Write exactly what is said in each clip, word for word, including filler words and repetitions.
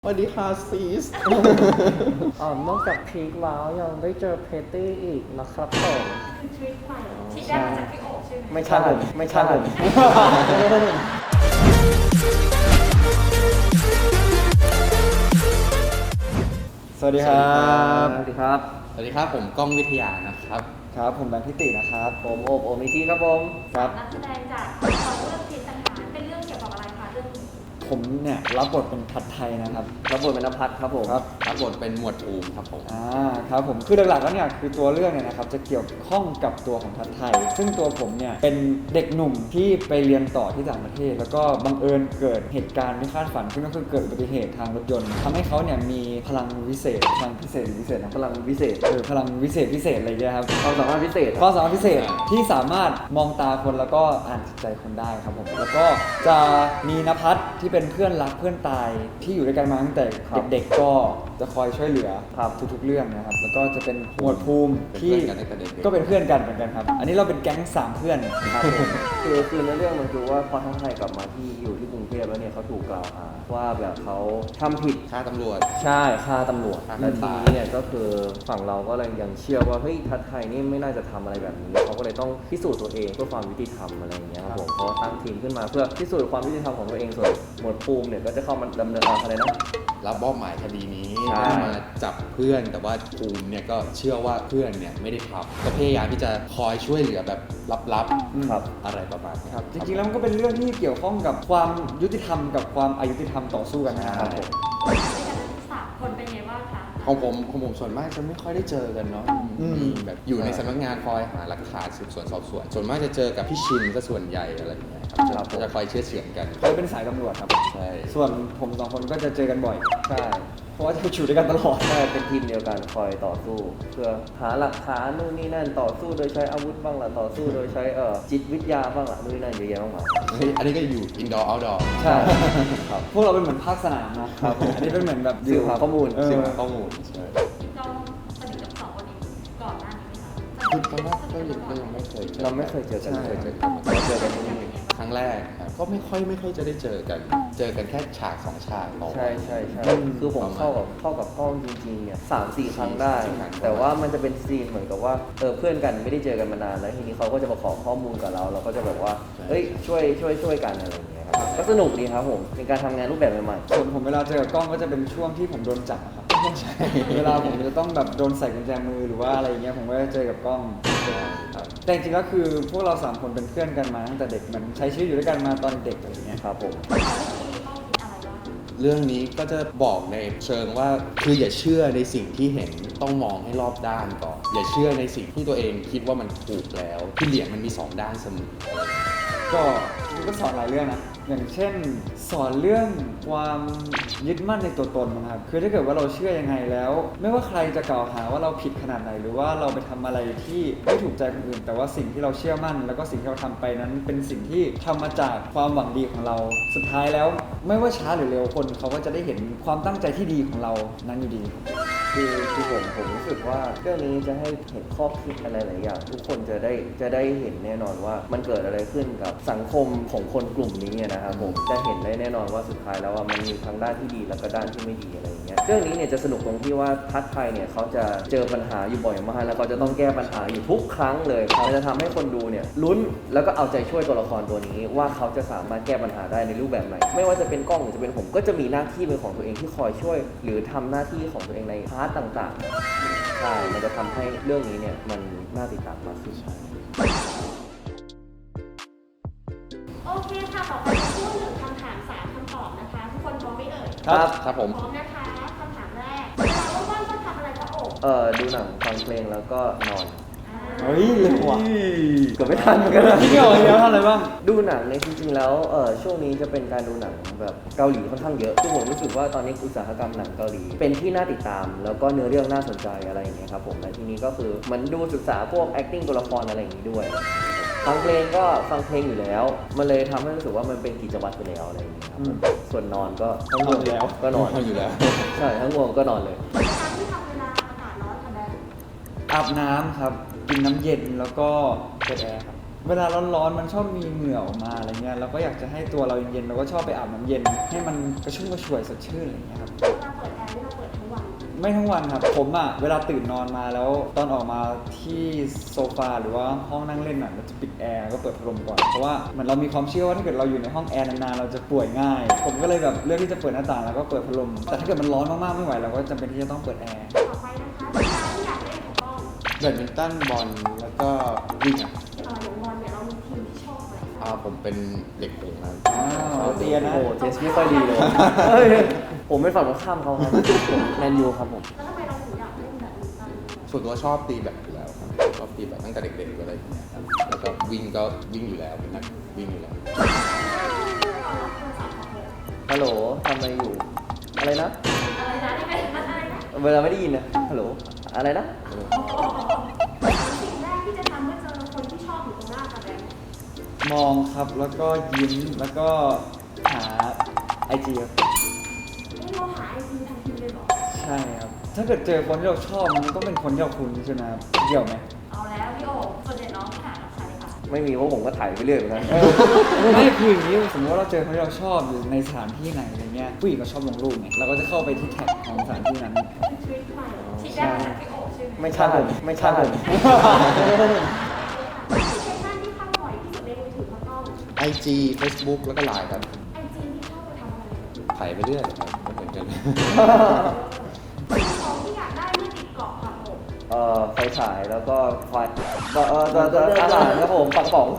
สวัสดีค่ะซีสอ๋อนอกจากพีคแล้วยังได้เจอเพตตี้อีกนะครับผมเป็นทริคใหม่ที่ได้มาจากพี่โอ๊คใช่ไหมไม่ใช่ผมไม่ใช่ผมสวัสดีครับสวัสดีครับสวัสดีครับผมก้องวิทยานะครับครับผมแบงค์พิตินะครับผมโอบโอมิทีครับผมครับนักแสดงจากละครเรื่องจิตสังหารเป็นเรื่องเกี่ยวกับอะไรคะเรื่องนี้ผมเนี่ยรับบทเป็นทัดไทยนะครับรับบทเป็นนภัสครับผมครับรับบทเป็นหมวดอูมครับผมอ่าครับผมคือหลักๆแล้วเนี่ยคือตัวเรื่องเนี่ยนะครับจะเกี่ยวข้องกับตัวของทัดไทย ซึ่งตัวผมเนี่ยเป็นเด็กหนุ่มที่ไปเรียนต่อที่ต่างประเทศ แล้วก็บังเอิญเกิดเหตุการณ์ไม่คาดฝันขึ้นก็คือเกิดอุบัติเหตุทางรถยนต์ทำให้เขาเนี่ยมีพลังวิเศษพลังพิเศษหรือวิเศษนะพลังวิเศษเออพลังวิเศษพิเศษอะไรเงี้ยครับความสามารถพิเศษความสามารถพิเศษที่สามารถมองตาคนแล้วก็อ่านจิตใจคนได้ครับผมแล้วก็จะมีนภัสที่เป็นเพื่อนรักเพื่อนตายที่อยู่ด้วยกันมาตั้งแต่เด็กๆก็จะคอยช่วยเหลือครับทุกๆเรื่องนะครับแล้วก็จะเป็นหมวดภูมิที่ก็เป็นเพื่อนกันเหมือนกันครับอันนี้เราเป็นแก๊งสามเพื่อนครับผมคือคือในเรื่องมันคือว่าพอทั้งไทยกลับมาที่อยู่ที่กรุงเทพแล้วเนี่ยเขาถูกกล่าวหาว่าแบบเขาทำผิดฆ่าตำรวจใช่ฆ่าตำรวจฆ่าและคนทีตายนี้เนี่ยก็คือฝั่งเราก็เลยยังเชื่อว่าเฮ้ยทัดไทยนี่ไม่น่าจะทำอะไรแบบนี้เขาก็เลยต้องพิสูจน์ตัวเองเพื่อความยุติธรรมอะไรอย่างเงี้ยครับผมเขาตั้งทีมขึ้นมาเพื่อพิสูจน์ความยุติธรรมของตัวเองส่วนหมวดภูมิเนี่ยก็จะเข้ามาดำเนินอะไรนะรับมอบหมายคดีนี้ใช่ให้มาจับเพื่อนแต่ว่าภูมิเนี่ยก็เชื่อว่าเพื่อนเนี่ยไม่ได้ทำก็พยายามที่จะคอยช่วยเหลือแบบลับครับๆอะไรประมาณนี้ครับจริงๆแล้วมันก็เป็นเรื่องที่เกี่ยวข้องกับความยุติธรรมกับความอายุติธรรมต่อสู้กันนะครับผมด้วยกันสามคนเป็นไงบ้างคะของผมของผมส่วนมากจะไม่ค่อยได้เจอกันเนาะอืมมีแบบอยู่ในสำนักงานคอยหาหลักฐานสืบสวนสอบสวนส่วนมากจะเจอกับพี่ชินซะส่วนใหญ่อะไรอย่างเงี้ยครับจะครับผมจะคอยเชื่อเฉือนกันเขาเป็นสายตำรวจครับใช่ส่วนผมสองคนก็จะเจอกันบ่อยใช่เพราะว่าจะอยู่ด้วยกันตลอดใช่เป็นทีมเดียวกันคอยต่อสู้ เพื่อหาหลักฐานนู่นนี่นั่นต่อสู้โดยใช้อาวุธบ้างล่ะต่อสู้โดยใช้เอ่อจิตวิทยาบ้างล่ะนู่นนี่นั่นเยอะแยะมากมายเฮ้ยอันนี้ก็อยู่ indoor outdoor ใช่ครับพวกเราเป็นเหมือนภาคสนามนะครับอันนี้เป็นเหมือนแบบสืบหาข้อมูลเออสืบหาข้อมูลใช่เราสนิทกับสองคนนี้ก่อนหน้านี้ไหมคะคือตอนแรกก็ยังก็ยังไม่เคยเจอเราไม่เคยเจอกันใช่เลยเจอกันเราเจอกันที่นี่ครั้งแรกครับก็ไม่ค่อยไม่ค่อยจะได้เจอกัน เจอกันแค่ฉากสองฉากต่อวันใช่ใช่ใช่อืมคือผมเข้ากับเข้ากับกล้องจริงๆเนี่ยสามสี่ครั้งได้สี่ครั้งแต่ว่ามันจะเป็นซีนเหมือนกับว่าเออเพื่อนกันไม่ได้เจอกันมานานแล้วทีนี้เขาก็จะมาขอข้อมูลกับเรา เราก็จะแบบว่าเฮ้ยช่วยช่วยช่วยกันอะไรอย่างเงี้ยครับก็สนุกดีครับผมเป็นการทำงานรูปแบบใหม่ส่วนผมเวลาเจอกับกล้องก็จะเป็นช่วงที่ผมโดนจับอะครับใช่เวลาผมจะต้องแบบโดนใส่กุญแจมือหรือว่าอะไรอย่างเงี้ยผมก็จะเจอกับกล้องครับแต่จริงๆแล้วคือพวกเราสามคนเป็นเพื่อนกันมาตั้งแต่เด็กเหมือนใช้ชีวิตอยู่ด้วยกันมาตอนเด็กอะไรอย่างเงี้ยๆครับผมเอาเรื่องนี้ต้องคิดอะไรบ้างเรื่องนี้ก็จะบอกในเชิงว่าคืออย่าเชื่อในสิ่งที่เห็นต้องมองให้รอบด้านก่อน อย่าเชื่อในสิ่งที่ตัวเองคิดว่ามันถูกแล้วที่เหรียญมันมีสองด้านเสมอก็จริงๆก็สอนหลายเรื่องนะ อย่างเช่น สอนเรื่องความยึดมั่นในตัวตนนะครับ คือถ้าเกิดว่าเราเชื่อยังไงแล้ว ไม่ว่าใครจะกล่าวหาว่าเราผิดขนาดไหน หรือว่าเราไปทำอะไรที่ไม่ถูกใจคนอื่น แต่ว่าสิ่งที่เราเชื่อมั่น แล้วก็สิ่งที่เราทำไปนั้น เป็นสิ่งที่ทำมาจากความหวังดีของเรา สุดท้ายแล้ว ไม่ว่าช้าหรือเร็วคนเขาก็จะได้เห็นความตั้งใจที่ดีของเรานั้นอยู่ดีคือคือผมผมรู้สึกว่าเรื่องนี้จะให้เห็นข้อคิดอะไรหลายอย่างทุกคนจะได้จะได้เห็นแน่นอนว่ามันเกิดอะไรขึ้นกับสังคมของคนกลุ่มนี้นะครับผมจะเห็นได้แน่นอนว่าสุดท้ายแล้วว่ามันมีทั้งด้านที่ดีแล้วก็ด้านที่ไม่ดีอะไรอย่างเงี้ยเรื่องนี้เนี่ยจะสนุกตรงที่ว่าทัดไทยเนี่ยเขาจะเจอปัญหาอยู่บ่อยมากแล้วก็จะต้องแก้ปัญหาอยู่ทุกครั้งเลยมันจะทำให้คนดูเนี่ยลุ้นแล้วก็เอาใจช่วยตัวละครตัวนี้ ว่าเขาจะสามารถแก้ปัญหาได้ในรูปแบบไหนไม่ว่าจะเป็นกล้องหรือจะเป็นผมก็จะมีหน้าที่เป็นของตัวเองที่คอยช่วย หรือทำหน้าที่ของตัวเองในพาร์ทต่างๆใช่มันจะทำให้เรื่องนี้เนี่ยมันน่าติดตามมากขึ้นโอเคค่ะต่อไปเป็นช่วงหนึ่งคำถามสามคำตอบนะคะ ทุกคนพร้อมไหมเอ่ยครับครับผมพร้อมนะคะคำถามแรกเวลาว่างๆชอบทำอะไรคะโอ๊คเอ่อดูหนังฟังเพลงแล้วก็นอนอ่าเฮ้ยเร็วว่ะเกือบไม่ทันเหมือนกันนะพี่เกี่ยวเยอะทำอะไรบ้างดูหนังในยจริงๆแล้วเอ่อช่วงนี้จะเป็นการดูหนังแบบเกาหลีค่อนข้างเยอะคือผมรู้สึกว่าตอนนี้อุตสาหกรรมหนังเกาหลี เป็นที่น่าติดตาม แล้วก็เนื้อเรื่องน่าสนใจอะไรอย่างเงี้ยครับผมและทีนี้ก็คือเหมันดูศึกษาพวก acting ตัวละครอะไรอย่างงี้ด้วย ฟังเพลงก็ฟังเพลงอยู่แล้ว มันเลยทำให้รู้สึกว่ามันเป็นกิจวัตรไปแล้วอะไรอย่างเงี้ยครับอืมส่วนนอนก็ทั้งง่วงนอนอยู่แล้วก็นอนทำอยู่แล้วใช่ทั้งง่วงก็นอนเลยกิจกรรมที่ทำเวลาอากาศร้อนค่ะแบงค์อาบน้ำครับ กินน้ำเย็นแล้วก็เปิดแอร์ครับเวลาร้อนๆมันชอบมีเหงื่อออกมาอะไรเงี้ยเราก็อยากจะให้ตัวเราเย็นๆเราก็ชอบไปอาบน้ำเย็น ให้มันกระชุ่มกระชวยสดชื่นอะไรเงี้ยครับเวลาเปิดแอร์นี่เราเปิดทั้งวันไม่ทั้งวันครับผมอ่ะเวลาตื่นนอนมาแล้วตอนออกมาที่โซฟาหรือว่าห้องนั่งเล่นอ่ะเราจะปิดแอร์ก็เปิดพัดลมก่อนเพราะว่าเหมือนเรามีความเชื่อว่าถ้าเกิดเราอยู่ในห้องแอร์นานๆเราจะป่วยง่าย ผมก็เลยแบบเลือกที่จะเปิดหน้าต่างแล้วก็เปิดพัดลมแต่ถ้าเกิดมันร้อนมากๆไม่ไหวเราก็จำเป็นที่จะต้องเปิดแอร์ต่อไปนะคะกีฬาที่อยากเล่นของกล้องแบดมินตันบอลแล้วก็วิ่งอ่ะเอ่ออย่างบอลเนี่ยเรามีทีมที่ชอบไหมอ่าผมเป็นเด็กหงส์ครับอ้าวเตียนะโอ้โหเทสไม่ค่อยดีเลยเฮ้ยผมเป็นฝั่งตรงข้ามเขาครับผมแมนยูครับผมแล้วทำไมเราถึงอยากเล่นแบบนี้กันส่วนตัวชอบตีแบดอยู่แล้วครับชอบตีแบดตั้งแต่เด็กๆอะไรอย่างเงี้ยครับแล้วก็วิ่งก็วิ่งอยู่แล้วเป็นนักวิ่งอยู่แล้วฮัลโหลทำอะไรอยู่ อะไรนะอะไรนะนี่เป็นอะไรนะเวลาไม่ได้ยินนะฮัลโหลอะไรนะสิ่งแรกที่จะทำเมื่อเจอคนที่ชอบอยู่ตรงหน้าค่ะแบงค์มองครับแล้วก็ยิ้มแล้วก็หาไอจีครับนี่เราหาไอจีทันทีเลยเหรอใช่ครับถ้าเกิดเจอคนที่เราชอบมันต้องเป็นคนที่เราคุ้นใช่ไหมครับเกี่ยวไหมเอาแล้วพี่โอ๋ส่วนใหญ่น้องหากับใครคะไม่มีเพราะผมก็ถ่ายไปเรื่อยเหมือนกันไม่คืออย่างนี้สมมติว่าเราเจอคนที่เราชอบอยู่ในสถานที่ไหนอะไรเงี้ยผู้หญิงก็ชอบลงรูปไงเราก็จะเข้าไปที่แท็กของสถานที่นั้นเป็นทริคใหม่ที่ได้มาจากพี่โอ๋ใช่ไหมไม่ใช่ผมไม่ใช่ผมแอปพลิเคชันที่เข้าบ่อยที่สุดในมือถือเขาต้องไอจี Facebook แล้วก็ไลน์ครับไอจีที่เข้าไปทำอะไรถ่ายไปเรื่อยครับก็เหมือนกันสิ่งของที่อยากได้เมื่อติดเกาะค่ะผมเอ่อไฟฉายแล้วก็ไฟเอ่อเอ่อเอ่อเอ่ออาหารครับผมปังป๋อง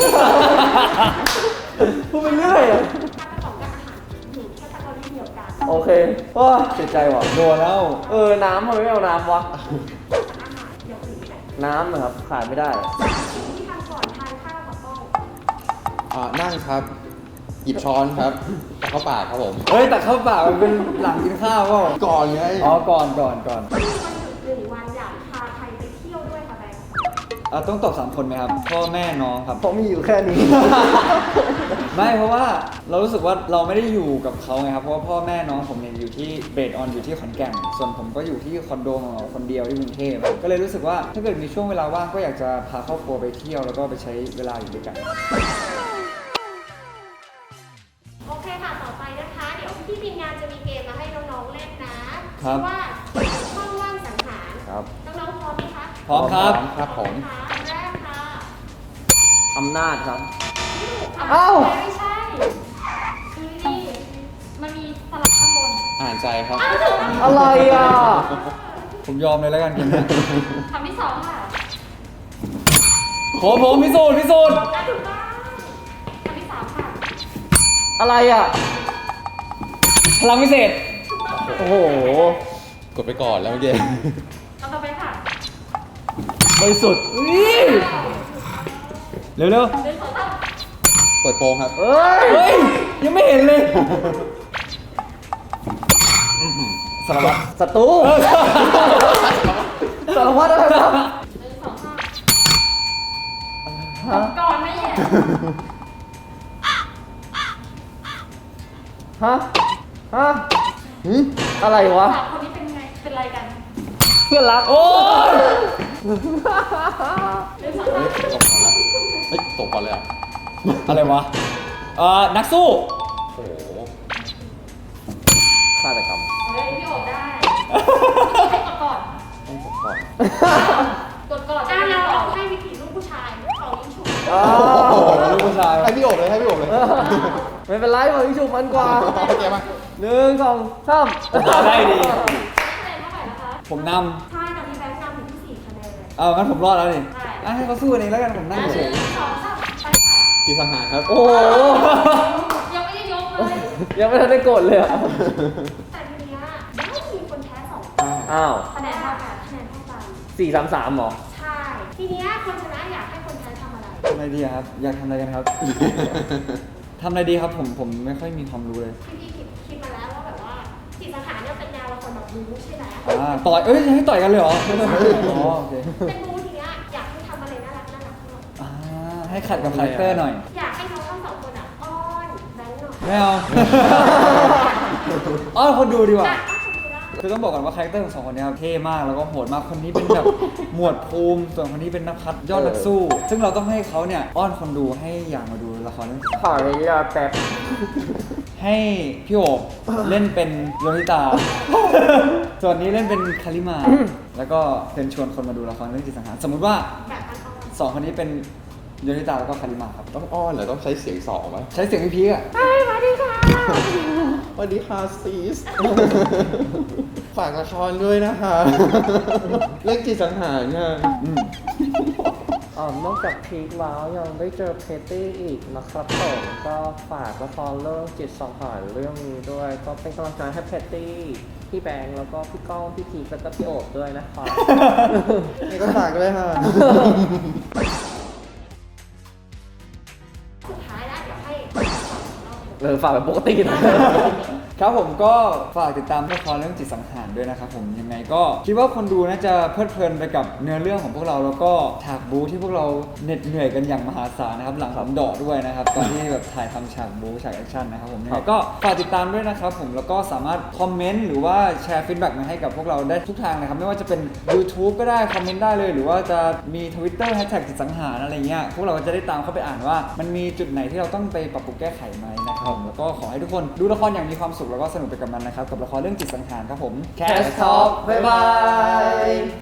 พูดไปเรื่อยอะถ้ากระป๋องกับอาหารหนึ่งแค่ตะกอนที่เดียวกันโอเคว้าเสียใจว่ะโดนแล้วเออ น้ำทำไมไม่เอาน้ำวะอาหารเดี๋ยวอื่นแต่น้ำนะครับขาดไม่ได้สิ่งที่ทำก่อนทานข้าวกับกล้องอ่านั่งครับ หยิบช้อนครับแต่เข้าปากครับผมเฮ้ยแต่เข้าปากมันเป็นหลังกินข้าวเปล่าก่อนไงอ๋อก่อนก่อนก่อนมีวันหยุดหนึ่งวันอยากพาใครไปเที่ยวด้วยค่ะแบงค์อ่ะต้องตอบสามคนไหมครับพ่อแม่น้องครับเพราะมีอยู่แค่นี้ไม่เพราะว่าเรารู้สึกว่าเราไม่ได้อยู่กับเขาไงครับเพราะว่าพ่อแม่น้องผมเนี่ยอยู่ที่เบสออนอยู่ที่ขอนแก่นส่วนผมก็อยู่ที่คอนโดของเราคนเดียวที่กรุงเทพก็เลยรู้สึกว่าถ้าเกิดมีช่วงเวลาว่างก็อยากจะพาครอบครัวไปเที่ยวแล้วก็ไปใช้เวลาอยู่ด้วยกันโอเคค่ะต่อไปนะคะ เดี๋ยวพี่ทีมงานจะมีเกมมาให้น้องๆเล่นนะครัชื่บอว่าเกมช่องว่างสังหารครับน้องๆพร้อมไหมคะพร้อมครับครับผมค่ะอันแรกค่ะอำนาจครับที่ถูกค่ะเอ้าไม่ใช่คือนี่มันมีสลับข้างบนอ่านใจครับอ้าวถูกแล้วอะไรอ่ะผมยอมเลยแล้วกันเกมเนี้ยคำที่สองค่ะผมผมพิสูจน์พิสูจน์อ่ะถูกต้องคำที่สามค่ะอะไรอ่ะพลังพิเศษถูกต้องค่ะโอ้โหกดไปก่อนแล้วเมื่อกี้คำต่อไปค่ะบริสุทธิ์เร็วเร็วหนึ่งสองสามเปิดโปงครับเอ้ยเฮ้ยยังไม่เห็นเลยสารวัตรศัตรูสารวัตรอะไรวะหนึ่งสองสามฮะก่อนไม่แย่ฮะ ฮะหืมอะไรวะสามคนนี้เป็นไง เป็นอะไรกันเพื่อนรักโอ้ยหนึ่งสองสามเฮ้ยตกก่อนแล้วเฮ้ยตกก่อนเลยอ่ะอะไรวะเอ่อนักสู้โอ้โหฆาตกรรมเฮ้ยพี่โอบได้ให้กดก่อนต้องตกก่อนกดก่อนอ่ะเราให้วิธีลูกผู้ชายเขายิ่งฉุกอ้าโอ้วโหลูกผู้ชายให้พี่โอบเลยให้พี่โอบเลยไม่เป็นไรผมยิ่งฉุกมันกว่าโอเคมาหนึ่งสองสามได้ดีคะแนนเท่าไหร่นะคะผมนใช่ตอนนี้แบงค์นำถึงที่สี่คะแนนเลยำเอางั้นผมรอดแล้วนี่ใช่อ่ะให้เขาสู้กันเองแล้วกันผมนั่งเฉยหนึ่งสองสามไปค่ะจีสังหารครับโอ้โหยังไม่ได้ยกเลยยังไม่ทันได้กดเลยอ่ะแต่ทีเนี้ยไม่มีคนแพ้สองอ้าวคะแนนเท่ากันคะแนนเท่ากันสี่สามสามหรอใช่ ทีเนี้ยคนชนะอยากให้คนแพ้ทำอะไรทำอะไรดีอะครับ อยากทำอะไรกันครับ ทำอะไรดีครับผมผมไม่ค่อยมีความรู้เลยพี่พี่คิดคิดมาแล้วว่าแบบว่าจิตสังหารเนี่ยเป็นแนวละครแบบบู๊ใช่ไหมอ่าต่อยเอ้ยให้ต่อยกันเลยเหรออ๋อโอเคเป็นบู๊ทีเนี้ยอยากให้ทำอะไรน่ารักน่ารักหน่อยอ่าให้ขัดกับคาแรคเตอร์หน่อยอยากให้น้องทั้งสองคนอ่ะอ้อนแบงค์หน่อยไม่เอา อ้อนคนดูดีกว่าอ่ะก็คนดูได้คือต้องบอกก่อนว่าคาแรคเตอร์ของสองคนเนี้ครับเท่มากแล้วก็โหดมากคนนี้เป็นแบบ หมวดภูมิส่วนคนนี้เป็นนักพัฒยอดนักสู้ ซึ่งเราต้องให้เขาเนี่ยอ้อนคนดูให้อยากมาดูละครเรื่องนี้ขออนุญาตแป๊บให้พี่โอบเล่นเป็นโยนิตา ส่วนนี้เล่นเป็นคาริมา แล้วก็เชิญชวนคนมาดูละครเรื่องจิตสังหารสมมุติว่าแบบมันเอาสองคนนี้เป็นโยนิตาแล้วก็คาริมาครับต้องอ้อนเหรอต้องใช้เสียงสองไหมใช้เสียงพี่พีอ่ะเฮ้ยมาดิค่ะสวัสดีค่ะซีส ฝากละครด้วยนะคะ เรื่องจิตสังหารค่ะอืมอ๋อนอกจากพีคแล้วยังได้เจอเพตตี้อีกนะครับผมก็ฝากละครเรื่องจิตสังหารเรื่องนี้ด้วย ก็เป็นกำลังใจให้เพตตี้พี่แบงค์แล้วก็พี่ก้องพี่พีคแล้วก็พี่โอบด้วยนะครับนี่ก็ฝากเลยค่ะสุดท้ายแล้วเดี๋ยวให้เออฝากแบบปกตินะครับผมก็ฝากติดตามละครเรื่องจิตสังหารด้วยนะครับผมยังไงก็คิดว่าคนดูน่าจะเพลิดเพลินไปกับเนื้อเรื่องของพวกเราแล้วก็ฉากบู๊ที่พวกเราเหน็ดเหนื่อยกันอย่างมหาศาลนะครับหลังสามดอกด้วยนะครับตอนที่แบบถ่ายทำฉากบู๊ฉากแอคชั่นนะครับผมยังไงก็ฝากติดตามด้วยนะครับผมแล้วก็สามารถคอมเมนต์หรือว่าแชร์ฟีดแบ็กมาให้กับพวกเราได้ทุกทางนะครับไม่ว่าจะเป็น YouTube ก็ได้คอมเมนต์ได้เลยหรือว่าจะมี Twitter แฮชแท็กจิตสังหารอะไรเงี้ยพวกเราก็จะได้ตามเข้าไปอ่านว่า มันมีจุดไหนที่เราต้องไปปรับปรุงแก้ไขไหมนะครับแล้วก็ขอให้ทุกคนดูละครอย่างมีความสุขแล้วก็สนุกไปกับมันนะครับกับละครเรื่องจิตสังหารครับผม Cast Talk บ๊ายบาย